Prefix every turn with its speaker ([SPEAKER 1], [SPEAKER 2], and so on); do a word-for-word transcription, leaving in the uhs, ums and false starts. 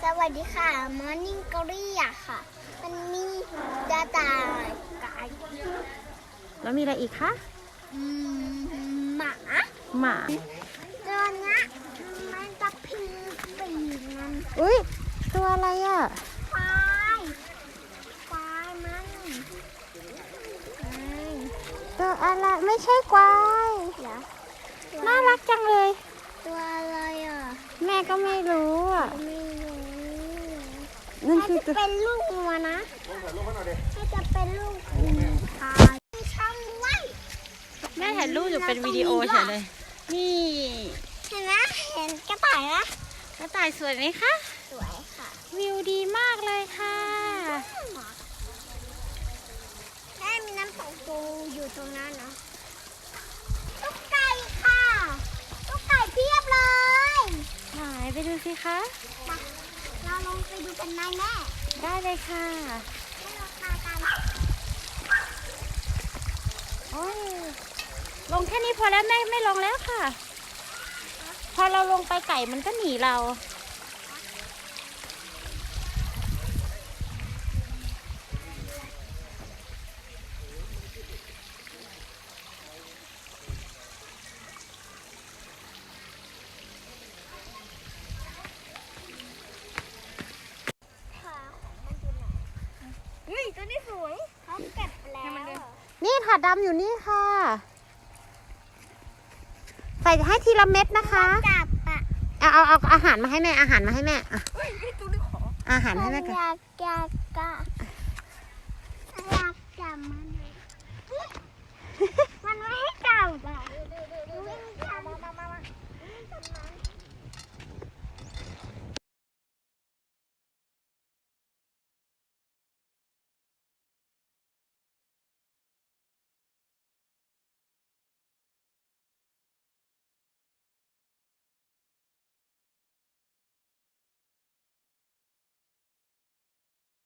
[SPEAKER 1] สวัสดีค่ะมอร์นิ่งกอรี่อะค่ะมันมีกระต่ายไก่
[SPEAKER 2] แล้วมีอะไรอีกคะ
[SPEAKER 1] อืมหมา
[SPEAKER 2] หมา
[SPEAKER 1] ตัวเนี้ยมันจะพิงปีกมัน
[SPEAKER 2] อุ้ยตัวอะไรอ่ะ
[SPEAKER 1] ควายควายมัน
[SPEAKER 2] ตัวอะไรไม่ใช่ควายน่ารักจังเลย
[SPEAKER 1] ตัวอะไรอ่ะ
[SPEAKER 2] แม่ก็ไม่รู้อ่ะ
[SPEAKER 1] ไม่รู้
[SPEAKER 2] นั่นคือ
[SPEAKER 1] จะเป็นลูกงัวนะถ้าจะเป็นลูกควายมีช่องด้วย
[SPEAKER 2] แม่ถ่ายรูปอยู่เป็นวิดีโอเฉยเลยนี่
[SPEAKER 1] เห็นไหมเห็นกระต่ายนะ
[SPEAKER 2] กระต่ายสวยไหมคะ
[SPEAKER 1] สวยค่ะ
[SPEAKER 2] วิวดีมากเลยค่ะ
[SPEAKER 1] แม่มีน้ำตกปูอยู่ตรงนั้นนะตุ๊กไก่ค่ะตุ๊กไก่เพียบเลย
[SPEAKER 2] ไหนไปดูสิคะ
[SPEAKER 1] มาเราลงไปดูกันไหมแม่
[SPEAKER 2] ได้เลยค่ะ
[SPEAKER 1] ให้เราพากัน
[SPEAKER 2] โอ้ยลงแค่นี้พอแล้วแม่ไม่ลงแล้วค่ะพอเราลงไปไก่มันก็หนีเรา
[SPEAKER 1] เฮ้ยตัวนี้สวยเขาเก็บแล้ว
[SPEAKER 2] นี่ถาดดำอยู่นี่ค่ะใส่ให้ทีละเม็ดนะคะ
[SPEAKER 1] จับอะ
[SPEAKER 2] เอาเอาเอาอาหารมาให้แม่อาหารมาให้แม่อะอาหารให้แม่กัน
[SPEAKER 1] อยากอยากอยากจับมันมันไม่ให้จับอะวิ่งจับ